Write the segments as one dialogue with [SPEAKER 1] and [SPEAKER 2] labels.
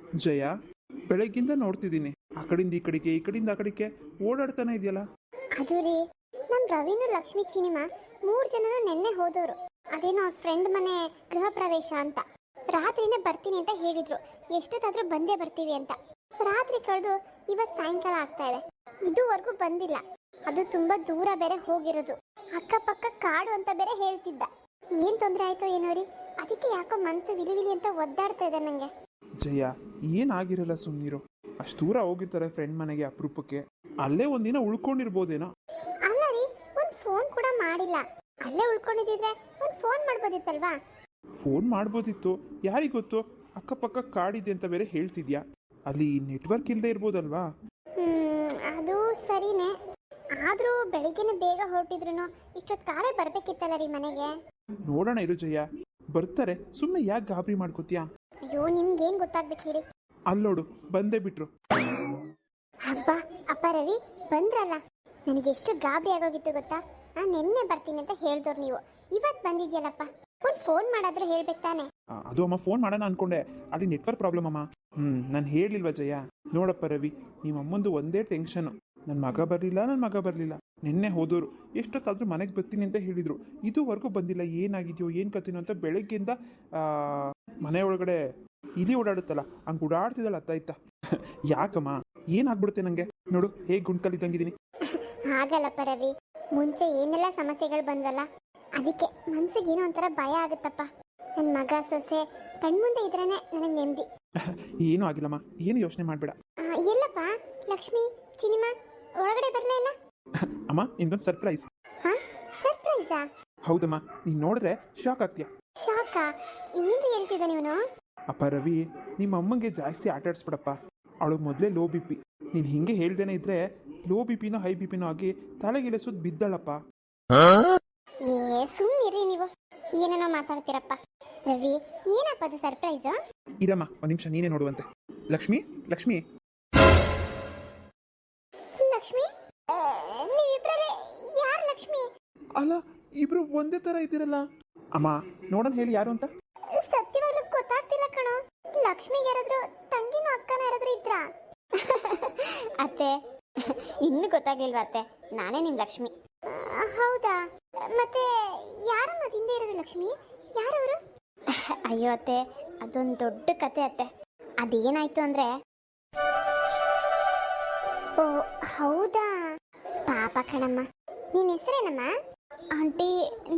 [SPEAKER 1] ಜಯ, ಬೆಳಗ್ಗಿಂದ ನೋಡ್ತಿದ್ದೀನಿ ಆ ಕಡೆಯಿಂದ ಈ ಕಡೆಗೆ ಈ ಕಡೆಯಿಂದ ಆ ಕಡೆಗೆ ಓಡಾಡ್ತಾನೆ ಇದೆಯಲ್ಲ.
[SPEAKER 2] ಅದು ರೀ, ನಮ್ಮ ರವಿನು ಲಕ್ಷ್ಮಿ ಚಿನಿಮಾ 3 ಜನನು ನೆನ್ನೆ ಹೋದವರು. ಅದೇನೋ ಅವ್ರ ಫ್ರೆಂಡ್ ಮನೆ ಗೃಹ ಪ್ರವೇಶ ಅಂತ. ರಾತ್ರಿನೇ ಬರ್ತೀನಿ ಅಂತ ಹೇಳಿದ್ರು. ಎಷ್ಟೊತ್ತಾದ್ರೂ ಬಂದೇ ಬರ್ತೀವಿ ಅಂತ. ರಾತ್ರಿ ಕಳೆದು ಇವತ್ತು ಸಾಯಂಕಾಲ ಆಗ್ತಾ ಇದೆ, ಇದುವರೆಗೂ ಬಂದಿಲ್ಲ. ಅದು ತುಂಬಾ ದೂರ ಬೇರೆ ಹೋಗಿರೋದು, ಅಕ್ಕಪಕ್ಕ ಕಾಡು ಅಂತ ಬೇರೆ ಹೇಳ್ತಿದ್ದ. ಏನ್ ತೊಂದರೆ ಆಯ್ತೋ ಏನೋ ರೀ, ಅದಕ್ಕೆ ಯಾಕೋ ಮನ್ಸು ವಿಲಿ ಅಂತ ಒದ್ದಾಡ್ತಾ ಇದೆ ನಂಗೆ.
[SPEAKER 1] ಜಯ, ಏನಾಗಿರಲ್ಲ, ಸುಮ್ಮನಿರು. ಅಷ್ಟು ದೂರ ಹೋಗಿರ್ತಾರೆ ಫ್ರೆಂಡ್ ಮನೆಗೆ ಅಪರೂಪಕ್ಕೆ, ಅಲ್ಲೇ ಒಂದಿನ ಉಳ್ಕೊಂಡಿರ್ಬೋದೇನೋ.
[SPEAKER 2] ಅಲ್ಲ ರೀ, ಒಂದು ಫೋನ್ ಕೂಡ ಮಾಡಿಲ್ಲ. ಅಲ್ಲೇ ಉಳ್ಕೊಂಡಿದ್ರೆ ಒಂದು ಫೋನ್ ಮಾಡ್ಬೋದಿತ್ತಲ್ವಾ?
[SPEAKER 1] ಫೋನ್ ಮಾಡ್ಬೋದಿತ್ತು, ಯಾರಿಗೆ ಗೊತ್ತು. ಅಕ್ಕಪಕ್ಕ ಕಾಡಿದೆ ಅಂತ ಬೇರೆ ಹೇಳ್ತಿದ್ಯಾ, ಅಲ್ಲಿ ನೆಟ್ವರ್ಕ್ ಇಲ್ಲದೆ ಇರ್ಬೋದಲ್ವಾ?
[SPEAKER 2] ಅದು ಸರಿನೇ. ಆದ್ರೂ ಬೆಳಿಗ್ಗೆನೆ ಬೇಗ ಹೊರಟಿದ್ರು ಇಷ್ಟೊತ್ತು ಕಾಲೇ ಬರ್ಬೇಕಿತ್ತಲ್ಲ ರೀ ಮನೆಗೆ.
[SPEAKER 1] ನೋಡೋಣ ಇರು ಜಯ, ಬರ್ತಾರೆ. ಸುಮ್ಮನೆ ಯಾಕೆ ಗಾಬರಿ ಮಾಡ್ಕೋತೀಯಾ?
[SPEAKER 2] ಅಯ್ಯೋ, ನಿಮ್ಗೇನ್ ಗೊತ್ತಾಗ್ಬೇಕು ಹೇಳಿ.
[SPEAKER 1] ಅಲ್ಲೋಡು, ಬಂದೇ ಬಿಟ್ರು.
[SPEAKER 2] ಹಬ್ಬ, ಅಪ್ಪ ರವಿ ಬಂದ್ರಲ್ಲ. ನನಗೆ ಎಷ್ಟು ಗಾಬರಿ ಆಗೋಗಿತ್ತು ಗೊತ್ತಾ? ನಾನು ನಿನ್ನೆ ಬರ್ತೀನಿ ಅಂತ ಹೇಳ್ದವ್ರು ನೀವು, ಇವತ್ತು ಬಂದಿದ್ಯಲ್ಲಪ್ಪ. ಒಂದು ಫೋನ್ ಮಾಡಾದ್ರೂ ಹೇಳ್ಬೇಕು ತಾನೆ.
[SPEAKER 1] ಅದು ಅಮ್ಮ, ಫೋನ್ ಮಾಡೋಣ ಅನ್ಕೊಂಡೆ, ಅಲ್ಲಿ ನೆಟ್ವರ್ಕ್ ಪ್ರಾಬ್ಲಮ್ ಅಮ್ಮ. ನಾನು ಹೇಳಿಲ್ವಾ ಜಯ? ನೋಡಪ್ಪ ರವಿ, ನಿಮ್ಮ ಅಮ್ಮಂದು ಒಂದೇ ಟೆನ್ಷನ್, ನನ್ನ ಮಗ ಬರಲಿಲ್ಲ. ನಿನ್ನೆ ಹೋದವರು ಎಷ್ಟೊತ್ತಾದ್ರೂ ಮನೆಗೆ ಬರ್ತೀನಿ ಅಂತ ಹೇಳಿದ್ರು, ಇದುವರೆಗೂ ಬಂದಿಲ್ಲ. ಏನಾಗಿದೆಯೋ ಏನು ಕತ್ತಿನೋ ಅಂತ ಬೆಳಗ್ಗೆಯಿಂದ ಮನೆ ಒಳಗಡೆ ಇಲಿ ಓಡಾಡುತ್ತಲ್ಲ ಹಂಗೆ ಓಡಾಡ್ತಿದ್ದಲ್ಲ, ಅತ್ತಾಯ್ತಾ? ಯಾಕಮ್ಮ, ಏನಾಗ್ಬಿಡುತ್ತೆ ನನಗೆ? ನೋಡು ಹೇಗೆ ಗುಂಡ್ಕಲ್ಲಿದ್ದಂಗಿದ್ದೀನಿ.
[SPEAKER 2] ಹಾಗಲ್ಲಪ್ಪ ರವಿ, ಮುಂಚೆ ಏನೆಲ್ಲ ಸಮಸ್ಯೆಗಳು ಬಂದಲ್ಲ, ಅದಕ್ಕೆ ಮನ್ಸಿಗೆ ಏನೋ ಒಂಥರ ಭಯ ಆಗುತ್ತಪ್ಪ. ನನ್ನ ಮಗ ಸೊಸೆ ಕಣ್ಮುಂದೆ ಇದ್ರೇನೆ ನನಗೆ ನೆಮ್ಮದಿ.
[SPEAKER 1] ಏನೂ ಆಗಿಲ್ಲಮ್ಮ, ಏನು ಯೋಚನೆ ಮಾಡಬೇಡ.
[SPEAKER 2] ಎಲ್ಲಪ್ಪ ಲಕ್ಷ್ಮಿ ಚಿನಿಮಾ ಒಳಗಡೆ ಬರಲೇ ಇಲ್ಲ?
[SPEAKER 1] ಅಮ್ಮ, ಇನ್ನೊಂದು ಸರ್ಪ್ರೈಸ್.
[SPEAKER 2] ಹಾ, ಸರ್ಪ್ರೈಸಾ?
[SPEAKER 1] ಹೌದಮ್ಮ, ನೀನು ನೋಡಿದ್ರೆ ಶಾಕ್ ಆಗ್ತೀಯ.
[SPEAKER 2] ಶಾಕಾ? ಏನು ಹೇಳ್ತಿದ್ದ ನೀನು?
[SPEAKER 1] ಅಪ್ಪ ರವಿ, ನಿಮ್ಮ ಅಮ್ಮಂಗೆ ಜಾಸ್ತಿ ಆಟ ಆಡಿಸ್ಬಿಡಪ್ಪ. ಅವಳಿಗೆ ಮೊದಲೇ ಲೋ ಬಿ ಪಿ. ನೀನು ಹಿಂಗೆ ಹೇಳ್ದೇನೆ ಇದ್ರೆ ಲೋ ಬಿ ಪಿನೋ ಹೈ ಬಿ ಪಿನೋ ಆಗಿ ತಲೆಗಿಲೆ ಸುತ್ತ ಬಿದ್ದಳಪ್ಪ.
[SPEAKER 2] ಏ ಸುಮ್ಮನಿರಿ ನೀವು, ಏನೇನೋ ಮಾತಾಡ್ತೀರಪ್ಪ. ರವಿ, ಏನಪ್ಪ ಅದು ಸರ್ಪ್ರೈಸು?
[SPEAKER 1] ಇದಮ್ಮ, ಒಂದು ನಿಮಿಷ ನೀನೇ ನೋಡುವಂತೆ. ಲಕ್ಷ್ಮಿ, ಲಕ್ಷ್ಮಿ
[SPEAKER 2] ಲಕ್ಷ್ಮಿ, ನೀವಿಬ್ಬರೇ ಯಾರು ಲಕ್ಷ್ಮಿ?
[SPEAKER 1] ಅಲ್ಲ, ಇಬ್ರು ಒಂದೇ ತರ ಇದ್ದೀರಲ್ಲ. ಅಮ್ಮ, ನೋಡೋಣ ಹೇಳಿ ಯಾರು ಅಂತ.
[SPEAKER 2] ಸತ್ಯವಾಗ್ಲೂ ಗೊತ್ತಾಗ್ತಿಲ್ಲ ಕಣೋ. ಲಕ್ಷ್ಮಿಗೆ ಯಾರಾದ್ರೂ ತಂಗಿನೂ ಅಕ್ಕನ ಯಾರಾದ್ರೂ ಇದ್ರಾ? ಅತ್ತೆ, ಇನ್ನೂ ಗೊತ್ತಾಗ್ಲಿಲ್ವಾ ಅತ್ತೆ? ನಾನೇ ನಿಮ್ ಲಕ್ಷ್ಮಿ. ಹೌದಾ? ಮತ್ತೆ ಯಾರಮ್ಮ ಹಿಂದೆ ಇರೋದು ಲಕ್ಷ್ಮಿ? ಯಾರವರು? ಅಯ್ಯೋ ಅತ್ತೆ, ಅದೊಂದು ದೊಡ್ಡ ಕತೆ ಅತ್ತೆ. ಅದೇನಾಯ್ತು ಅಂದ್ರೆ, ಓ ಹೌದಾ, ಪಾಪ ಕಣಮ್ಮ. ನಿನ್ನ ಹೆಸರೇನಮ್ಮ? ಆಂಟಿ,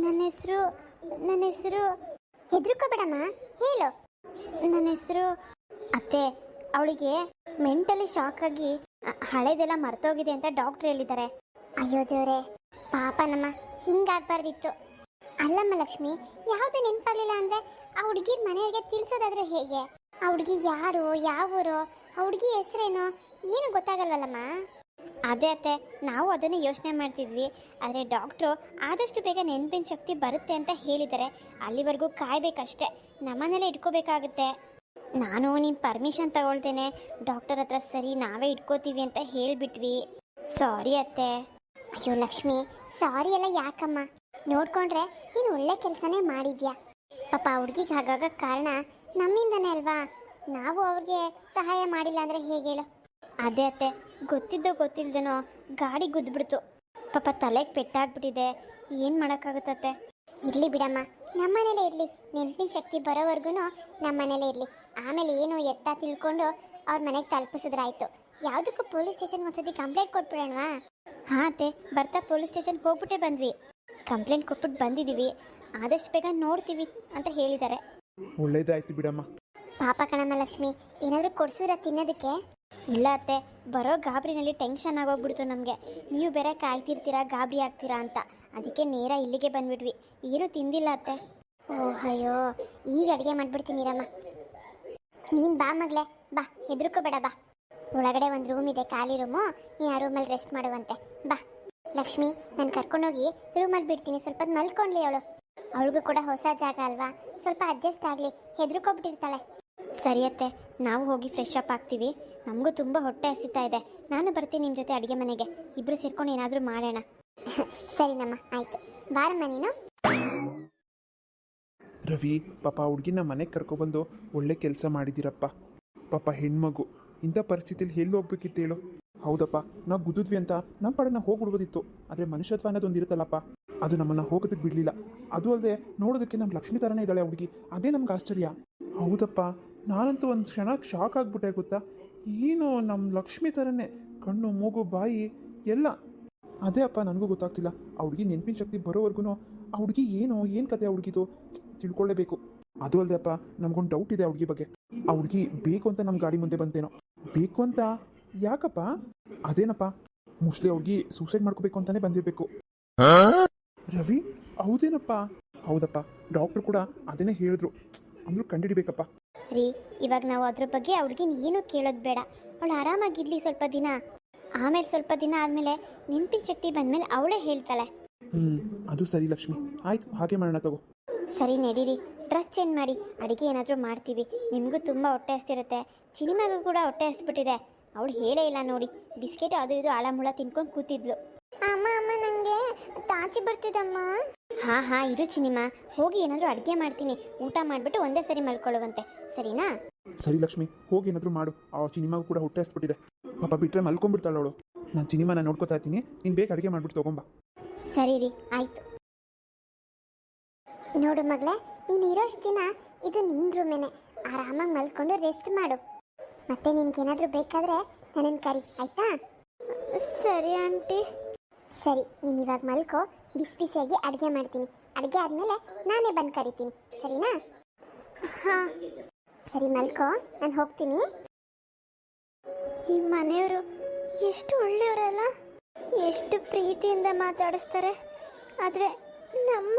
[SPEAKER 2] ನನ್ನ ಹೆಸರು ಹೆದರ್ಕೋಬೇಡಮ್ಮ, ಹೇಳು. ನನ್ನ ಹೆಸರು ಅತ್ತೆ. ಅವಳಿಗೆ ಮೆಂಟಲಿ ಶಾಕ್ ಆಗಿ ಹಳೇದೆಲ್ಲ ಮರ್ತೋಗಿದೆ ಅಂತ ಡಾಕ್ಟರ್ ಹೇಳಿದ್ದಾರೆ. ಅಯ್ಯೋ ದೇವ್ರೆ, ಪಾಪನಮ್ಮ, ಹಿಂಗಾಗ್ಬಾರ್ದಿತ್ತು. ಅಲ್ಲಮ್ಮ ಲಕ್ಷ್ಮಿ, ಯಾವುದೇ ನೆನಪಾಗ್ಲಿಲ್ಲ ಅಂದ್ರೆ ಆ ಹುಡುಗಿರ್ ಮನೆಯವರಿಗೆ ತಿಳಿಸೋದಾದ್ರೆ ಹೇಗೆ? ಆ ಹುಡುಗಿ ಯಾರು, ಯಾವ ಊರು, ಆ ಹುಡುಗಿ ಹೆಸರೇನು, ಏನು ಗೊತ್ತಾಗಲ್ವಲ್ಲಮ್ಮ? ಅದೇ ಅತ್ತೆ, ನಾವು ಅದನ್ನೇ ಯೋಚನೆ ಮಾಡ್ತಿದ್ವಿ. ಆದರೆ ಡಾಕ್ಟ್ರು ಆದಷ್ಟು ಬೇಗ ನೆನಪಿನ ಶಕ್ತಿ ಬರುತ್ತೆ ಅಂತ ಹೇಳಿದ್ದಾರೆ. ಅಲ್ಲಿವರೆಗೂ ಕಾಯ್ಬೇಕಷ್ಟೆ, ನಮ್ಮನೇಲೆ ಇಟ್ಕೋಬೇಕಾಗುತ್ತೆ. ನಾನು ನಿಮ್ಮ ಪರ್ಮಿಷನ್ ತಗೊಳ್ತೇನೆ ಡಾಕ್ಟರ್ ಹತ್ರ. ಸರಿ, ನಾವೇ ಇಟ್ಕೋತೀವಿ ಅಂತ ಹೇಳಿಬಿಟ್ವಿ. ಸಾರಿ ಅತ್ತೆ. ಅಯ್ಯೋ ಲಕ್ಷ್ಮಿ, ಸಾರಿ ಎಲ್ಲ ಯಾಕಮ್ಮ? ನೋಡ್ಕೊಂಡ್ರೆ ನೀನು ಒಳ್ಳೆ ಕೆಲಸನೇ ಮಾಡಿದ್ಯಾ. ಪಾಪ ಹುಡುಗಿಗೆ ಹಾಗಾಗ ಕಾರಣ ನಮ್ಮಿಂದನೇ ಅಲ್ವಾ? ನಾವು ಅವ್ರಿಗೆ ಸಹಾಯ ಮಾಡಿಲ್ಲ ಅಂದರೆ ಹೇಗೆ ಹೇಳು? ಅದೇ ಅತ್ತೆ, ಗೊತ್ತಿದ್ದೋ ಗೊತ್ತಿಲ್ದೇನೋ ಗಾಡಿ ಗುದ್ದುಬಿಡ್ತು. ಪಾಪ ತಲೆಗೆ ಪೆಟ್ಟಾಗ್ಬಿಟ್ಟಿದೆ. ಏನು ಮಾಡೋಕ್ಕಾಗುತ್ತತ್ತೆ? ಇರಲಿ ಬಿಡಮ್ಮ, ನಮ್ಮನೇಲೇ ಇರಲಿ. ನೆನಪಿನ ಶಕ್ತಿ ಬರೋವರೆಗೂ ನಮ್ಮನೇಲೇ ಇರಲಿ. ಆಮೇಲೆ ಏನು ಎತ್ತ ತಿಳ್ಕೊಂಡು ಅವ್ರ ಮನೆಗೆ ತಲುಪಿಸಿದ್ರಾಯ್ತು. ಯಾವುದಕ್ಕೂ ಪೊಲೀಸ್ ಸ್ಟೇಷನ್ ಒಂದ್ಸತಿ ಕಂಪ್ಲೇಂಟ್ ಕೊಟ್ಬಿಡೋಣವಾ? ಹಾಂ ಅತ್ತೆ, ಬರ್ತಾ ಪೊಲೀಸ್ ಸ್ಟೇಷನ್ಗೆ ಹೋಗ್ಬಿಟ್ಟೇ ಬಂದ್ವಿ. ಕಂಪ್ಲೇಂಟ್ ಕೊಟ್ಬಿಟ್ಟು ಬಂದಿದ್ದೀವಿ. ಆದಷ್ಟು ಬೇಗ ನೋಡ್ತೀವಿ ಅಂತ ಹೇಳಿದ್ದಾರೆ.
[SPEAKER 1] ಒಳ್ಳೇದಾಯ್ತು ಬಿಡಮ್ಮ.
[SPEAKER 2] ಪಾಪ ಕಣಮ್ಮ ಲಕ್ಷ್ಮಿ, ಏನಾದರೂ ಕೊಡ್ಸಿದ್ರ ತಿನ್ನೋದಕ್ಕೆ? ಇಲ್ಲ ಅತ್ತೆ, ಬರೋ ಗಾಬರಿನಲ್ಲಿ ಟೆನ್ಷನ್ ಆಗೋಗ್ಬಿಡ್ತು ನಮಗೆ. ನೀವು ಬೇರೆ ಕಾಯ್ತಿರ್ತೀರಾ, ಗಾಬರಿ ಆಗ್ತೀರಾ ಅಂತ. ಅದಕ್ಕೆ ನೇರ ಇಲ್ಲಿಗೆ ಬಂದ್ಬಿಟ್ವಿ. ಏನೂ ತಿಂದಿಲ್ಲ ಅತ್ತೆ. ಓಹ್ ಅಯ್ಯೋ, ಈಗ ಅಡುಗೆ ಮಾಡಿಬಿಡ್ತೀನಿರಮ್ಮ. ನೀನು ಬಾ ಮಗಳೇ, ಬಾ, ಹೆದರ್ಕೋಬೇಡ, ಬಾ. ಒಳಗಡೆ ಒಂದು ರೂಮ್ ಇದೆ, ಖಾಲಿ ರೂಮು. ನೀನು ಆ ರೂಮಲ್ಲಿ ರೆಸ್ಟ್ ಮಾಡುವಂತೆ. ಬಾ ಲಕ್ಷ್ಮಿ, ನಾನು ಕರ್ಕೊಂಡೋಗಿ ರೂಮಲ್ಲಿ ಬಿಡ್ತೀನಿ. ಸ್ವಲ್ಪ ಹೊತ್ತು ಮಲ್ಕೊಂಡ್ಲಿ ಅವಳು. ಅವಳಿಗೂ ಕೂಡ ಹೊಸ ಜಾಗ ಅಲ್ವಾ, ಸ್ವಲ್ಪ ಅಡ್ಜಸ್ಟ್ ಆಗಲಿ. ಹೆದರ್ಕೊಬಿಟ್ಟಿರ್ತಾಳೆ. ಸರಿಯತ್ತೆ, ನಾವು ಹೋಗಿ ಫ್ರೆಶ್ ಅಪ್ ಆಗ್ತೀವಿ. ನಮಗೂ ತುಂಬ ಹೊಟ್ಟೆ ಹಸಿತಾ ಇದೆ. ನಾನು ಬರ್ತೀನಿ ನಿಮ್ಮ ಜೊತೆ ಅಡುಗೆ ಮನೆಗೆ. ಇಬ್ಬರು ಸೇರ್ಕೊಂಡು ಏನಾದರೂ ಮಾಡೋಣ. ಸರಿನಮ್ಮ, ಆಯಿತು. ಬಾರಮ್ಮ ನೀನು.
[SPEAKER 1] ರವಿ, ಪಾಪ ಹುಡುಗಿನ ಮನೆಗೆ ಕರ್ಕೊಬಂದು ಒಳ್ಳೆ ಕೆಲಸ ಮಾಡಿದ್ದೀರಪ್ಪ. ಪಾಪ ಹೆಣ್ಮಗು ಇಂಥ ಪರಿಸ್ಥಿತಿಲಿ ಎಲ್ಲಿ ಹೋಗ್ಬೇಕಿತ್ತು ಹೇಳು. ಹೌದಪ್ಪ, ನಾವು ಗುದ್ದಿದ್ವಿ ಅಂತ ನಮ್ಮ ಪಾಡಿಗೆ ನಾವು ಹೋಗ್ಬಿಡ್ಬೋದಿತ್ತು. ಆದರೆ ಮನುಷ್ಯತ್ವ ಅನ್ನೋದೊಂದು ಇರುತ್ತಲ್ಲಪ್ಪ, ಅದು ನಮ್ಮನ್ನು ಹೋಗೋದಕ್ಕೆ ಬಿಡಲಿಲ್ಲ. ಅದು ಅಲ್ಲದೆ ನೋಡೋದಕ್ಕೆ ನಮ್ಮ ಲಕ್ಷ್ಮಿ ಥರನೇ ಇದ್ದಾಳೆ ಹುಡುಗಿ, ಅದೇ ನಮ್ಗೆ ಆಶ್ಚರ್ಯ. ಹೌದಪ್ಪ, ನಾನಂತೂ ಒಂದು ಕ್ಷಣಕ್ಕೆ ಶಾಕ್ ಆಗಿಬಿಟ್ಟೆ ಗೊತ್ತಾ. ಏನು ನಮ್ಮ ಲಕ್ಷ್ಮಿ ಥರನೇ ಕಣ್ಣು, ಮೂಗು, ಬಾಯಿ ಎಲ್ಲ. ಅದೇ ಅಪ್ಪ, ನನಗೂ ಗೊತ್ತಾಗ್ತಿಲ್ಲ. ಆ ಹುಡುಗಿ ನೆನಪಿನ ಶಕ್ತಿ ಬರೋವರೆಗೂ ಆ ಹುಡುಗಿ ಏನು ಕತೆ ಆ ಹುಡುಗಿದು ತಿಳ್ಕೊಳ್ಳೇಬೇಕು. ಅದು ಅಲ್ಲದೆ ಅಪ್ಪ, ನಮಗೊಂದು ಡೌಟ್ ಇದೆ ಆ ಹುಡುಗಿ ಬಗ್ಗೆ. ಆ ಹುಡುಗಿ ಬೇಕು ಅಂತ ನಮ್ಮ ಗಾಡಿ ಮುಂದೆ ಬಂತೇನೋ. ಬೇಕು ಅಂತ ಯಾಕಪ್ಪ? ಅದೇನಪ್ಪ, ಮೋಸ್ಟ್ಲಿ ಆ ಹುಡುಗಿ ಸೂಸೈಡ್ ಮಾಡ್ಕೋಬೇಕು ಅಂತಾನೆ ಬಂದಿರಬೇಕು. ರವಿ, ಹೌದೇನಪ್ಪ? ಹೌದಪ್ಪ, ಡಾಕ್ಟ್ರು ಕೂಡ ಅದನ್ನೇ ಹೇಳಿದ್ರು. ಅಂದ್ರೂ ಕಂಡುಹಿಡಿಬೇಕಪ್ಪ.
[SPEAKER 2] ರೀ, ಇವಾಗ ನಾವು ಅದ್ರ ಬಗ್ಗೆ ಅವ್ಳಿಗಿನ ಏನೂ ಕೇಳೋದು ಬೇಡ. ಅವಳು ಆರಾಮಾಗಿರ್ಲಿ ಸ್ವಲ್ಪ ದಿನ. ಆಮೇಲೆ ಸ್ವಲ್ಪ ದಿನ ಆದಮೇಲೆ ನೆನಪಿನ ಶಕ್ತಿ ಬಂದಮೇಲೆ ಅವಳೇ ಹೇಳ್ತಾಳೆ.
[SPEAKER 1] ಅದು ಸರಿ ಲಕ್ಷ್ಮಿ, ಆಯ್ತು, ಹಾಗೆ ಮಾಡೋಣ ತಗೋ.
[SPEAKER 2] ಸರಿ, ನಡೀರಿ, ಡ್ರೆಸ್ ಚೇಂಜ್ ಮಾಡಿ ಅಡುಗೆ ಏನಾದರೂ ಮಾಡ್ತೀವಿ. ನಿಮಗೂ ತುಂಬ ಹೊಟ್ಟೆ ಹಸ್ತಿರುತ್ತೆ, ಚಿನಿಮಾಗೂ ಕೂಡ ಹೊಟ್ಟೆ ಹಸ್ಬಿಟ್ಟಿದೆ. ಅವಳು ಹೇಳೇ ಇಲ್ಲ ನೋಡಿ, ಬಿಸ್ಕೆಟ್ ಅದು ಇದು ಆಳಮುಳ ತಿನ್ಕೊಂಡು ಕೂತಿದ್ಲು. ಅಮ್ಮ ಅಮ್ಮ, ನನಗೆ ತಾಚಿ ಬರ್ತಿದಮ್ಮ. ಹಾಂ ಇರು ಚಿನಿಮಾ, ಹೋಗಿ ಏನಾದರೂ ಅಡುಗೆ ಮಾಡ್ತೀನಿ. ಊಟ ಮಾಡಿಬಿಟ್ಟು ಒಂದೇ ಸರಿ ಮಲ್ಕೊಳ್ಳುವಂತೆ, ಸರಿನಾ?
[SPEAKER 1] ಸರಿ ಲಕ್ಷ್ಮಿ, ಹೋಗಿ ಏನಾದರೂ ಮಾಡು. ಆ ಸಿನಿಮಾಗೂ ಕೂಡ ಹೊಟ್ಟೆ ಹಸ್ಬಿಟ್ಟಿದೆ. ಪಾಪ ಬಿಟ್ಟರೆ ಮಲ್ಕೊಂಡ್ಬಿಡ್ತಾಳೆ ಅವಳು. ನಾನು ಸಿನಿಮಾನ ನೋಡ್ಕೊತಾ ಇರ್ತೀನಿ, ನೀನು ಬೇಗ ಅಡುಗೆ ಮಾಡಿಬಿಟ್ಟು ತೊಗೊಂಬ.
[SPEAKER 2] ಸರಿ ರೀ, ಆಯಿತು. ನೋಡು ಮಗಳೇ, ನೀನು ಇರೋಷ್ಟು ದಿನ ಇದು ನಿನ್ನ ರೂಮೇನೆ. ಆರಾಮಾಗಿ ಮಲ್ಕೊಂಡು ರೆಸ್ಟ್ ಮಾಡು. ಮತ್ತೆ ನಿನ್ಗೇನಾದರೂ ಬೇಕಾದರೆ ನನ್ನನ್ನು ಕರಿ, ಆಯಿತಾ? ಸರಿ ಆಂಟಿ. ಸರಿ, ನೀನು ಇವಾಗ ಮಲ್ಕೋ. ಬಿಸಿಯಾಗಿ ಅಡುಗೆ ಮಾಡ್ತೀನಿ. ಅಡುಗೆ ಆದಮೇಲೆ ನಾನೇ ಬಂದು ಕರಿತೀನಿ, ಸರಿನಾ? ಹಾಂ ಸರಿ, ಮಲ್ಕೋ, ನಾನು ಹೋಗ್ತೀನಿ. ಈ ಮನೆಯವರು ಎಷ್ಟು ಒಳ್ಳೆಯವರಲ್ಲ, ಎಷ್ಟು ಪ್ರೀತಿಯಿಂದ ಮಾತಾಡಿಸ್ತಾರೆ. ಆದರೆ ನಮ್ಮ